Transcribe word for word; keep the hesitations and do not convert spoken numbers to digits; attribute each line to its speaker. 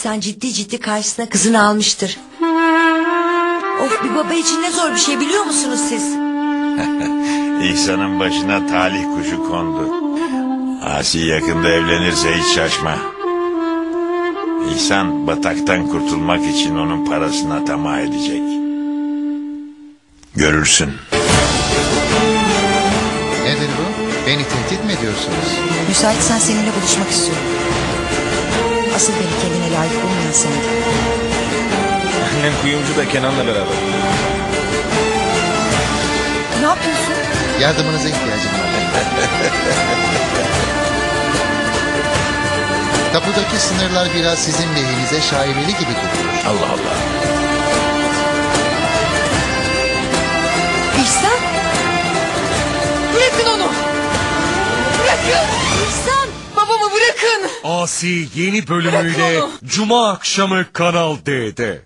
Speaker 1: İhsan ciddi ciddi karşısına kızını almıştır. Of, bir baba için ne zor bir şey biliyor musunuz siz?
Speaker 2: İhsan'ın başına talih kuşu kondu. Asi yakında evlenirse hiç şaşma. İhsan bataktan kurtulmak için onun parasına tamah edecek. Görürsün.
Speaker 3: Nedir bu? Beni tehdit mi ediyorsunuz?
Speaker 4: Müsaitsen seninle buluşmak istiyorum. Asıl beni kendine layık bulmayan sendin.
Speaker 5: Annem kuyumcu da Kenan'la beraber.
Speaker 4: Ne yapıyorsun?
Speaker 3: Yardımınıza ihtiyacım var. Kapıdaki sınırlar biraz sizin lehinize şaibeli gibi duruyor.
Speaker 2: Allah Allah.
Speaker 1: İhsan! Bırakın onu! Bırakın! İhsan! Babamı bırakın!
Speaker 6: Asi yeni bölümüyle Cuma akşamı Kanal D'de.